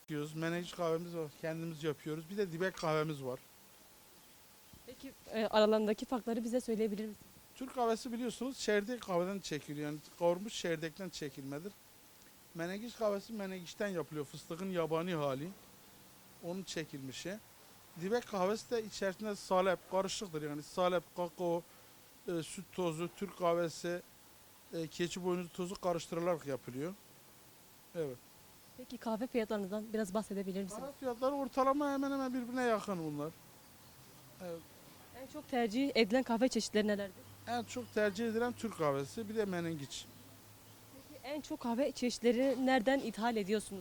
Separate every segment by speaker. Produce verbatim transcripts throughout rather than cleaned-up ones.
Speaker 1: Yapıyoruz. Menengiç kahvemiz var. Kendimiz yapıyoruz. Bir de dibek kahvemiz var.
Speaker 2: Peki e, aralarındaki farkları bize söyleyebilir misiniz?
Speaker 1: Türk kahvesi biliyorsunuz çerdek kahveden çekiliyor. Yani kavurmuş çerdekten çekilmedir. Menengiç kahvesi menengiçten yapılıyor. Fıstığın yabani hali. Onun çekilmişi. Dibek kahvesi de içerisinde salep karışıktır. Yani salep, kakao, e, süt tozu, Türk kahvesi, e, keçi boynuzu tozu karıştırılarak yapılıyor. Evet.
Speaker 2: Peki kahve fiyatlarınızdan biraz bahsedebilir misiniz?
Speaker 1: Kahve fiyatları ortalama hemen hemen birbirine yakın bunlar. Evet.
Speaker 2: En çok tercih edilen kahve çeşitleri nelerdir?
Speaker 1: En çok tercih edilen Türk kahvesi bir de menengiç.
Speaker 2: Peki en çok kahve çeşitleri nereden ithal ediyorsunuz?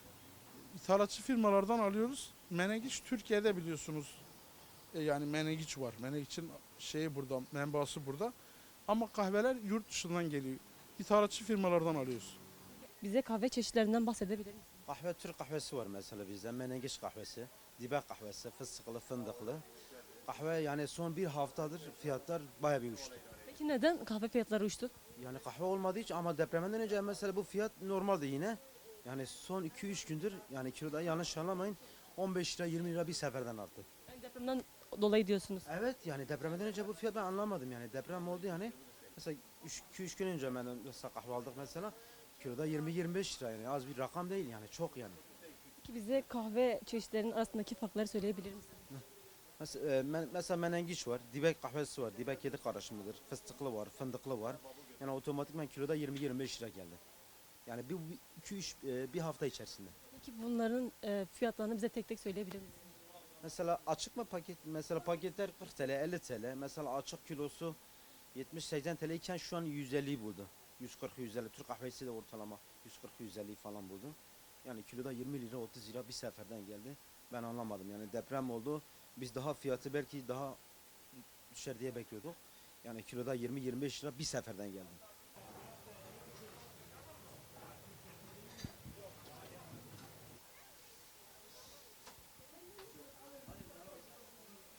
Speaker 1: İthalatçı firmalardan alıyoruz. Menengiç Türkiye'de biliyorsunuz. E, yani menengiç var. Menengiç'in şeyi burada, menbaası burada. Ama kahveler yurt dışından geliyor. İthalatçı firmalardan alıyoruz.
Speaker 2: Bize kahve çeşitlerinden bahsedebilir misiniz?
Speaker 3: Kahve Türk kahvesi var mesela bizde. Menengiç kahvesi, dibek kahvesi, fıstıklı, fındıklı. Kahve yani son bir haftadır fiyatlar bayağı bir uçtu.
Speaker 2: Peki neden kahve fiyatları uçtu?
Speaker 3: Yani kahve olmadı hiç ama depremden önce mesela bu fiyat normaldi yine. Yani son iki üç gündür yani kiloda yanlış anlamayın on beş lira yirmi lira bir seferden arttı.
Speaker 2: Yani depremden dolayı diyorsunuz.
Speaker 3: Evet yani depremden önce bu fiyat ben anlamadım yani deprem oldu yani. Mesela iki üç gün önce ben mesela kahve aldık mesela kiloda yirmi yirmi beş lira yani az bir rakam değil yani çok yani.
Speaker 2: Peki bize kahve çeşitlerinin arasındaki farkları söyleyebilir misiniz?
Speaker 3: Mesela, e, men- mesela menengiç var, dibek kahvesi var, dibek yedi karışımıdır, fıstıklı var, fındıklı var. Yani otomatikman kiloda yirmi yirmi beş lira geldi. Yani bir iki üç bir hafta içerisinde.
Speaker 2: Peki bunların e, fiyatlarını bize tek tek söyleyebilir misiniz?
Speaker 3: Mesela açık mı paket? Mesela paketler kırk T L, elli T L. Mesela açık kilosu yetmiş seksen T L iken şu an yüz elliyi buldu. yüz kırk yüz elli. Türk kahvesi de ortalama yüz kırk yüz elli falan buldu. Yani kiloda yirmi lira otuz lira bir seferden geldi. Ben anlamadım. Yani deprem oldu. Biz daha fiyatı belki daha düşer diye bekliyorduk. Yani kiloda yirmi yirmi beş lira bir seferden geldi.